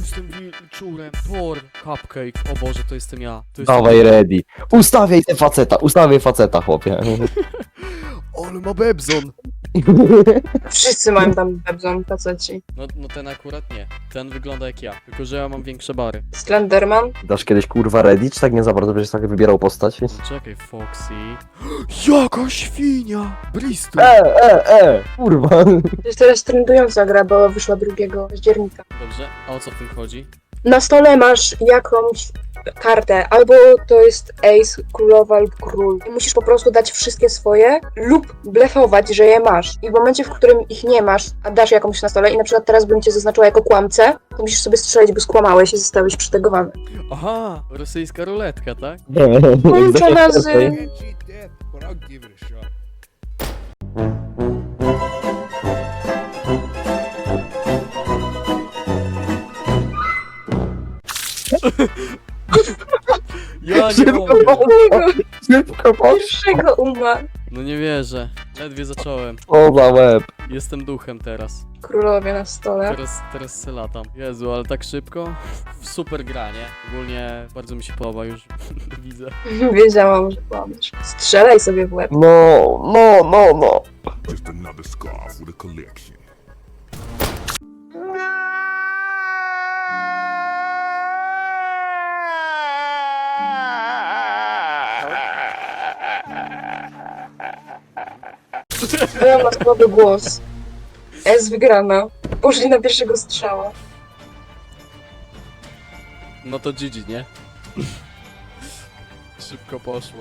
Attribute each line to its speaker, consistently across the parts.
Speaker 1: jestem wilczurem. Thor, Cupcake. O Boże, to jestem ja. To jestem
Speaker 2: Dawaj ready. Ustawiaj faceta, chłopie.
Speaker 1: Ale ma Bebzon.
Speaker 3: Wszyscy mają tam Bebzon, faceci.
Speaker 1: No ten akurat nie. Ten wygląda jak ja. Tylko, że ja mam większe bary.
Speaker 3: Slenderman.
Speaker 2: Dasz kiedyś kurwa ready, czy tak nie za bardzo będziesz tak wybierał postać?
Speaker 1: Czekaj, Foxy. Jaka świnia! Bristol!
Speaker 2: Kurwa.
Speaker 3: To jest teraz trendująca gra, bo wyszła 2 października.
Speaker 1: Dobrze, a o co w tym chodzi?
Speaker 3: Na stole masz jakąś kartę, albo to jest ace, królowa lub król. I musisz po prostu dać wszystkie swoje lub blefować, że je masz. I w momencie, w którym ich nie masz, a dasz jakąś na stole i na przykład teraz bym cię zaznaczyła jako kłamcę, to musisz sobie strzelić, bo skłamałeś i zostałeś przytegowany.
Speaker 1: Aha, rosyjska ruletka, tak?
Speaker 3: Połączona z...
Speaker 4: Can't cheat death, but I'll give it a shot.
Speaker 1: Ja nie
Speaker 2: Szybko
Speaker 1: mogę.
Speaker 2: poszło. Szybko poszło.
Speaker 3: Pierwszego umarł.
Speaker 1: No nie wierzę. Ledwie zacząłem.
Speaker 2: O za łeb.
Speaker 1: Jestem duchem teraz.
Speaker 3: Królowie na stole.
Speaker 1: Teraz se latam. Jezu, ale tak szybko? Super gra, nie? Ogólnie bardzo mi się podoba już. Widzę.
Speaker 3: Wiedziałam, że kłamiesz. Strzelaj sobie w łeb.
Speaker 2: No.
Speaker 4: Just another scarf with a collection.
Speaker 3: Byłam na słaby głos. S wygrana. Poszli na pierwszego strzała.
Speaker 1: No to GG, nie? Szybko poszło.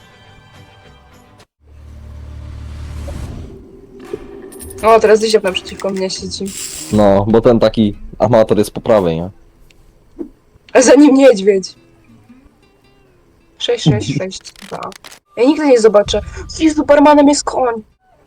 Speaker 3: O, teraz Dysiop naprzeciwko mnie siedzi.
Speaker 2: No, bo ten taki amator jest po prawej, nie?
Speaker 3: A za nim niedźwiedź. 6, 2. Ja nigdy nie zobaczę. Z Supermanem jest koń.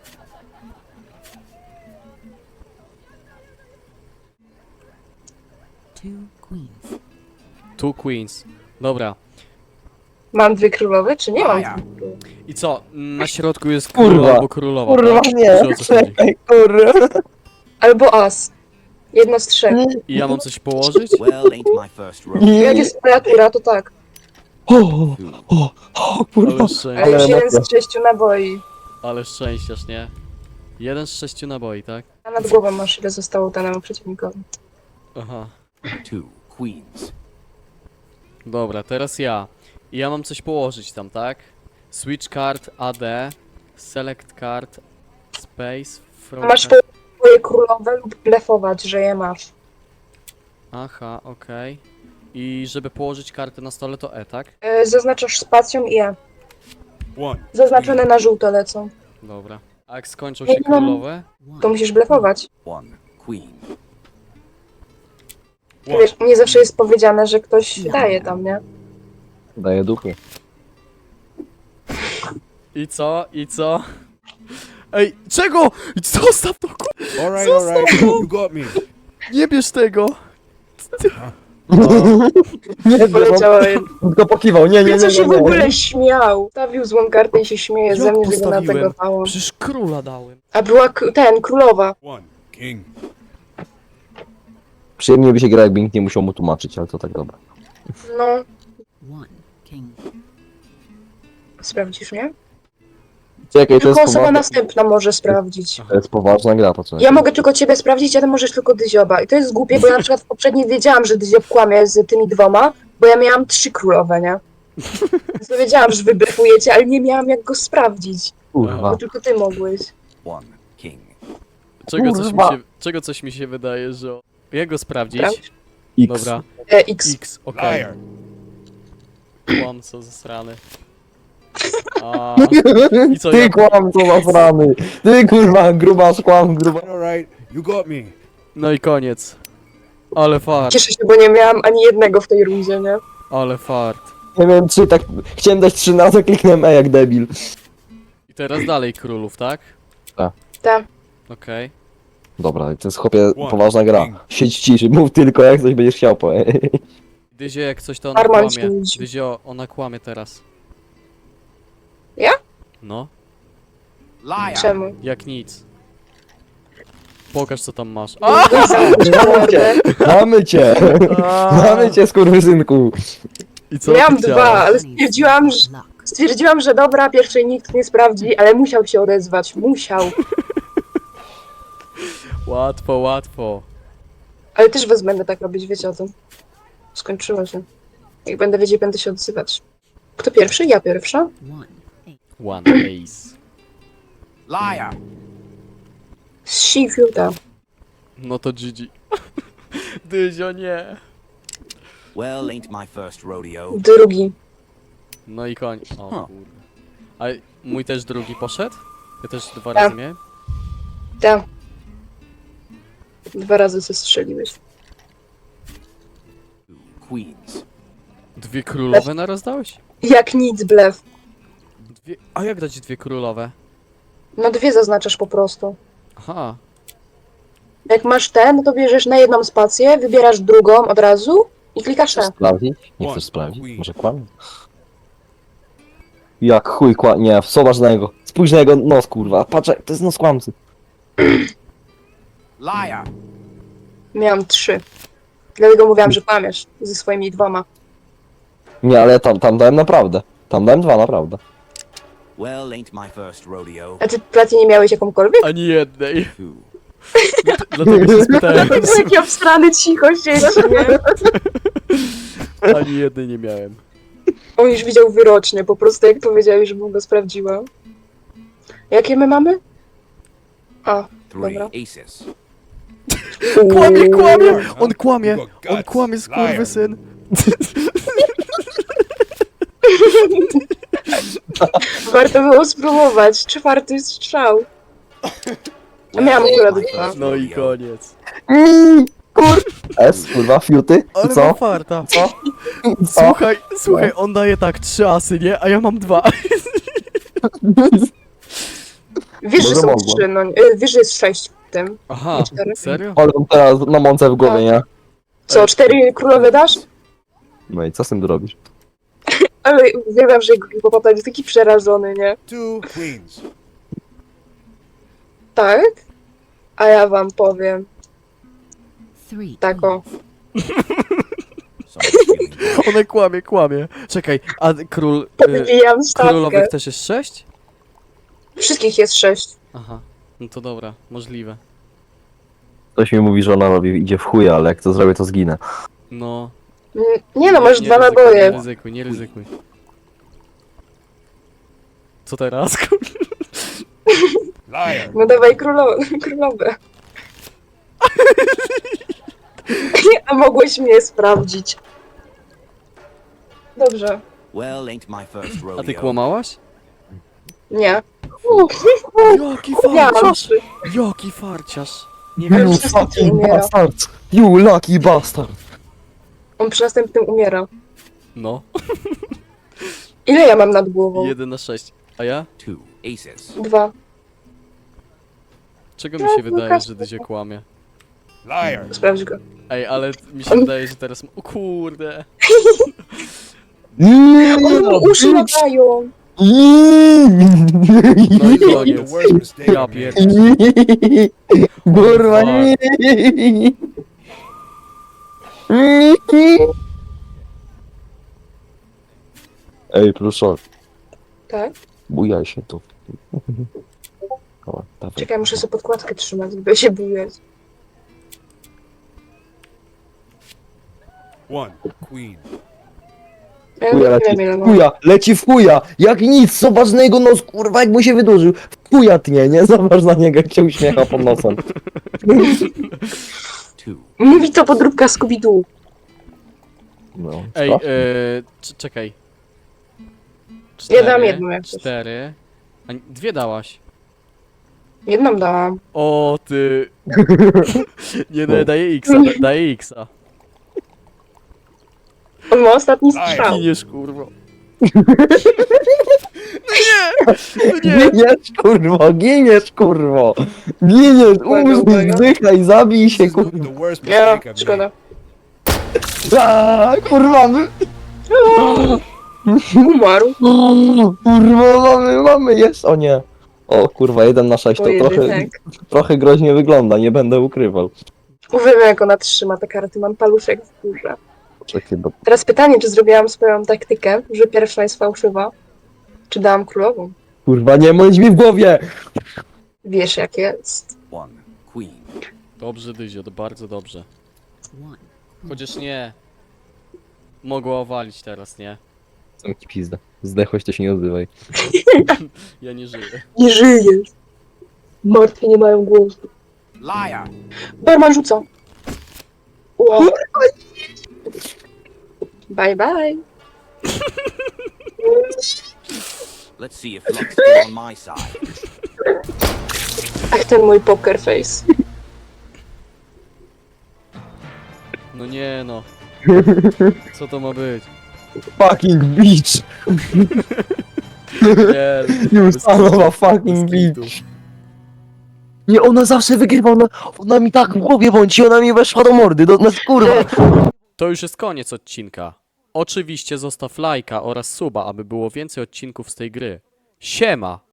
Speaker 1: Two queens. Dobra.
Speaker 3: Mam 2 królowe, czy nie mam?
Speaker 1: I co? Na środku jest
Speaker 2: Kurwa.
Speaker 1: król albo królowa.
Speaker 2: Kurwa
Speaker 1: tak?
Speaker 2: nie,
Speaker 1: Czy o co chodzi?
Speaker 2: czekaj, kurwa.
Speaker 3: Albo as. Jedno z 3.
Speaker 1: I ja mam coś położyć?
Speaker 5: Well, ain't my first rodeo.
Speaker 3: Jak jest kreatura, to tak.
Speaker 2: O, kurwa.
Speaker 1: Ale, szczę...
Speaker 3: Ale już
Speaker 2: Ale
Speaker 3: 1 z 6 naboi.
Speaker 1: Ale szczęściarz, nie? 1 z 6 naboi, tak?
Speaker 3: A nad głową masz, ile zostało danemu przeciwnikowi.
Speaker 1: Aha.
Speaker 5: 2 queens.
Speaker 1: Dobra, teraz ja. I ja mam coś położyć tam, tak? Switch card, AD, select card, space, from...
Speaker 3: A masz twoje królowe lub blefować, że je masz.
Speaker 1: Aha, okej. I żeby położyć kartę na stole to E, tak?
Speaker 3: Zaznaczasz spacją i E.
Speaker 4: One.
Speaker 3: Zaznaczone na żółto lecą.
Speaker 1: Dobra. A jak skończą
Speaker 3: Ja
Speaker 1: się
Speaker 3: nie mam-
Speaker 1: królowe?
Speaker 3: To musisz blefować.
Speaker 5: One queen.
Speaker 3: Wiesz, nie zawsze jest powiedziane, że ktoś daje tam, nie?
Speaker 2: Daję duchy.
Speaker 1: I co? I co? Ej, czego? Zostaw to,
Speaker 4: Alright, alright. You got me.
Speaker 1: nie bierz tego!
Speaker 2: Nie,
Speaker 3: Poleciałem.
Speaker 2: tylko pokiwał, nie.
Speaker 3: Co się w ogóle śmiał? Stawił złą kartę i się śmieje ze
Speaker 1: Jak
Speaker 3: mnie, że go
Speaker 1: postawiłem?
Speaker 3: nategowałam.
Speaker 1: Przecież króla dałem.
Speaker 3: A była królowa.
Speaker 4: One. King.
Speaker 2: Przyjemnie by się gra, jakby nikt nie musiał mu tłumaczyć, ale to tak dobra.
Speaker 3: No,
Speaker 6: One king.
Speaker 3: sprawdzisz, nie?
Speaker 2: Czekaj, to
Speaker 3: Tylko
Speaker 2: jest,
Speaker 3: osoba
Speaker 2: poważna,
Speaker 3: następna może sprawdzić.
Speaker 2: to jest poważna gra, to co?
Speaker 3: Ja mogę tylko ciebie sprawdzić, a ty możesz tylko Dyzioba. I to jest głupie, bo ja na przykład w poprzedniej wiedziałam, że Dyziob kłamie z tymi 2, bo ja miałam 3 królowe, nie? Więc to wiedziałam, że wy blefujecie, ale nie miałam jak go sprawdzić.
Speaker 2: Kurwa.
Speaker 3: Bo tylko ty mogłeś.
Speaker 5: One king.
Speaker 1: Czego coś mi się wydaje, że... Jak go sprawdzić?
Speaker 3: Sprawdź.
Speaker 2: X.
Speaker 1: Dobra.
Speaker 3: X.
Speaker 1: X, okej.
Speaker 4: Liar.
Speaker 1: Kłam, co zasrany. I co,
Speaker 2: Ty
Speaker 1: ja...
Speaker 2: kłam, co zasrany. Ty kurwa, grubasz, kłam, gruba.
Speaker 4: Alright, you got me.
Speaker 1: No i koniec. Ale fart,
Speaker 3: Cieszę się, bo nie miałam ani jednego w tej rundzie, nie?
Speaker 1: ale fart.
Speaker 2: Nie wiem, 3, tak, chciałem dać 3 razy, kliknąłem E jak debil.
Speaker 1: I teraz dalej królów, tak?
Speaker 3: Tak.
Speaker 1: Okej.
Speaker 2: Dobra, to jest chłopie poważna gra. Siedź ciszy, mów tylko jak coś będziesz chciał, po.
Speaker 1: Dyzio, jak coś to ona
Speaker 3: Arman
Speaker 1: kłamie.
Speaker 3: ci ludzi.
Speaker 1: Dyzio, ona kłamie teraz.
Speaker 3: Ja?
Speaker 1: No,
Speaker 5: Liar.
Speaker 3: Czemu?
Speaker 1: jak nic. Pokaż co tam masz. A!
Speaker 2: Mamy cię! Mamy cię! Mamy cię, skurwysynku!
Speaker 1: I co
Speaker 3: Miałam
Speaker 1: ty
Speaker 3: dwa,
Speaker 1: chciałaś?
Speaker 3: ale stwierdziłam, że dobra, pierwszej nikt nie sprawdzi, ale musiał się odezwać. Musiał.
Speaker 1: Łatwo, łatwo.
Speaker 3: Ale też was będę tak robić, wiecie o tym. Skończyło się. Jak będę wiedzieć, będę się odzywać. Kto pierwszy? Ja pierwsza?
Speaker 6: One.
Speaker 1: One ace.
Speaker 5: Liar.
Speaker 3: Sifiuta.
Speaker 1: No to GG. Dyzio, nie.
Speaker 5: Well, ain't my first rodeo.
Speaker 3: Drugi.
Speaker 1: No i koń. O
Speaker 5: Huh.
Speaker 1: kurde. A mój też drugi poszedł? Ja też dwa
Speaker 3: Tak.
Speaker 1: razy miałem?
Speaker 3: Tak. 2 razy zestrzeliłeś.
Speaker 5: Queens.
Speaker 1: Dwie królowe naraz dałeś?
Speaker 3: Jak nic, blef.
Speaker 1: Dwie... A jak dać dwie królowe?
Speaker 3: No 2 zaznaczasz po prostu.
Speaker 1: Aha.
Speaker 3: Jak masz ten, no to bierzesz na jedną spację, wybierasz drugą od razu i klikasz
Speaker 2: Chcesz
Speaker 3: E.
Speaker 2: sprawdzić? Nie chcesz sprawdzić? Może kłamie? Jak chuj kłamie? Nie, zobacz na niego. Spójrz na jego nos, kurwa. Patrz, to jest nos kłamcy.
Speaker 5: Liar.
Speaker 3: Miałam 3. Dlatego mówiłam, że kłamiesz ze swoimi 2.
Speaker 2: Nie, ale tam dałem naprawdę. Tam dałem 2, naprawdę.
Speaker 5: Well, ain't my first rodeo.
Speaker 3: A ty Platy nie miałeś jakąkolwiek?
Speaker 1: Ani jednej.
Speaker 5: Two.
Speaker 1: Dlatego się spytałem.
Speaker 3: Taki obstrany cicho siedzisz, nie?
Speaker 1: Ani jednej nie miałem.
Speaker 3: On już widział wyrocznie, po prostu jak powiedziałeś, żebym go sprawdziła. Jakie my mamy? A,
Speaker 5: Three
Speaker 3: dobra.
Speaker 5: aces.
Speaker 1: Kłamie, kłamie! On kłamie!
Speaker 4: You got guts.
Speaker 1: On kłamie, skurwysyn!
Speaker 3: Warto było spróbować. 4. strzał. A miałam
Speaker 5: Well,
Speaker 3: akurat
Speaker 5: my
Speaker 3: 2.
Speaker 5: first
Speaker 1: No i
Speaker 5: rodeo.
Speaker 1: koniec.
Speaker 2: S, kurwa, fiuty? I
Speaker 1: Ale ma
Speaker 2: co?
Speaker 1: farta.
Speaker 2: Co?
Speaker 1: Słuchaj, on daje tak 3 asy, nie? A ja mam 2.
Speaker 3: Wiesz, że
Speaker 2: Może
Speaker 3: są
Speaker 2: mogło.
Speaker 3: 3, no wiesz, że jest 6 w tym.
Speaker 1: Aha,
Speaker 3: 4.
Speaker 1: serio?
Speaker 2: Ale mam teraz na mące w głowie, nie?
Speaker 3: Co, 4 królowe dasz?
Speaker 2: No i co z tym zrobisz?
Speaker 3: Ale uwielbiam, że hipopota jest taki przerażony, nie?
Speaker 4: 2 queens.
Speaker 3: Tak? A ja wam powiem.
Speaker 6: Three.
Speaker 3: Tak o.
Speaker 5: Someone's feeling bad.
Speaker 1: One kłamie, kłamie. Czekaj, a król...
Speaker 3: Podbijam stawkę.
Speaker 1: królowych też jest 6?
Speaker 3: Wszystkich jest 6.
Speaker 1: Aha, no to dobra, możliwe.
Speaker 2: Ktoś mi mówi, że ona idzie w chuja, ale jak to zrobię, to zginę.
Speaker 1: No.
Speaker 3: Nie no, masz 2
Speaker 1: ryzykuj, nie
Speaker 3: naboje.
Speaker 1: ryzykuj, nie ryzykuj. Co teraz?
Speaker 4: Liar.
Speaker 3: No dawaj królowe. A mogłeś mnie sprawdzić. Dobrze.
Speaker 5: Well, ain't my first rodeo.
Speaker 1: A ty kłamałaś?
Speaker 3: Nie.
Speaker 1: Jaki
Speaker 3: Miałam
Speaker 1: farciarz!
Speaker 3: 3.
Speaker 1: Jaki farciarz! Nie
Speaker 3: Ale
Speaker 1: wiem,
Speaker 3: przez
Speaker 2: fucking
Speaker 3: umiera.
Speaker 2: bastard! You lucky bastard!
Speaker 3: On przy następnym umiera.
Speaker 1: no.
Speaker 3: Ile ja mam nad głową?
Speaker 1: 1 na 6. A ja?
Speaker 5: Two aces.
Speaker 3: 2.
Speaker 1: Czego mi się wydaje, że Dyzio kłamie?
Speaker 4: Liar.
Speaker 3: Sprawdź go.
Speaker 1: Ej, ale mi się wydaje, że teraz... O kurde!
Speaker 3: One mu uszy latają.
Speaker 1: No i
Speaker 4: The
Speaker 1: koniec.
Speaker 4: worst mistake
Speaker 1: Ja
Speaker 4: I made.
Speaker 1: pierdolę.
Speaker 2: Kurwa, nie! Ej, proszę,
Speaker 3: Tak?
Speaker 2: bujaj się tu. O, dawaj.
Speaker 3: Czekaj, muszę sobie podkładkę trzymać, żeby się bujać.
Speaker 4: One queen.
Speaker 3: Ja
Speaker 2: Chuja
Speaker 3: nie
Speaker 2: leci,
Speaker 3: wiem ile mam.
Speaker 2: chuja, leci w chuja, jak nic, zobacz na jego nos, kurwa, jak mu się wydłużył. W chuja tnie, nie? Zobacz na niego, jak się uśmiecha pod nosem.
Speaker 5: Two.
Speaker 3: Mówi to podróbka Scooby-Doo.
Speaker 2: No,
Speaker 1: Ej,
Speaker 2: sprawdź.
Speaker 1: czekaj.
Speaker 3: Ja dam jedną jak coś.
Speaker 1: 4. A 2 dałaś.
Speaker 3: Jedną dałam.
Speaker 1: O ty. Nie,
Speaker 2: No.
Speaker 1: daję X-a, daję X-a.
Speaker 3: On ma ostatni strzał.
Speaker 1: Giniesz, kurwo. No nie! No nie!
Speaker 2: Giniesz, kurwo, giniesz, kurwo. Giniesz, umrzyj, zdychaj, zabij
Speaker 4: This
Speaker 2: się,
Speaker 4: is
Speaker 2: kurwa.
Speaker 4: the worst
Speaker 3: Ja,
Speaker 4: mistake I've
Speaker 3: szkoda.
Speaker 4: made.
Speaker 2: Aaa, kurwa,
Speaker 3: Umarł.
Speaker 2: kurwa, mamy, jest, o nie. O kurwa, 1-6 to
Speaker 3: Pojedynek.
Speaker 2: trochę groźnie wygląda, nie będę ukrywał.
Speaker 3: Uwielbiam, jak ona trzyma te karty, mam paluszek w górze.
Speaker 2: Czekaj, bo
Speaker 3: Teraz pytanie, czy zrobiłam swoją taktykę, że pierwsza jest fałszywa? Czy dałam królową?
Speaker 2: kurwa, nie mądź mi w głowie!
Speaker 3: Wiesz, jak jest.
Speaker 5: One queen.
Speaker 1: Dobrze, Dyzio, to bardzo dobrze.
Speaker 6: One.
Speaker 1: Chociaż nie. Mogła owalić teraz, nie?
Speaker 2: Sam ci pizda. Zdechłeś, to się nie odzywaj.
Speaker 1: Ja nie żyję.
Speaker 3: Nie żyjesz. Martwi nie mają głosu.
Speaker 5: Liar.
Speaker 3: Barman rzuca. Wow. Bye bye.
Speaker 5: Let's see if luck's still on my side.
Speaker 3: Ach, ten mój poker face.
Speaker 1: No nie no. Co to ma być?
Speaker 2: Fucking bitch!
Speaker 1: Nie.
Speaker 2: You
Speaker 1: bez
Speaker 2: son of
Speaker 1: kitu,
Speaker 2: a fucking
Speaker 1: bez kitu.
Speaker 2: bitch! Nie, ona zawsze wygrywa, ona mi tak w głowie bądź, ona mi weszła do mordy, kurwa!
Speaker 1: To już jest koniec odcinka. Oczywiście zostaw lajka oraz suba, aby było więcej odcinków z tej gry. Siema!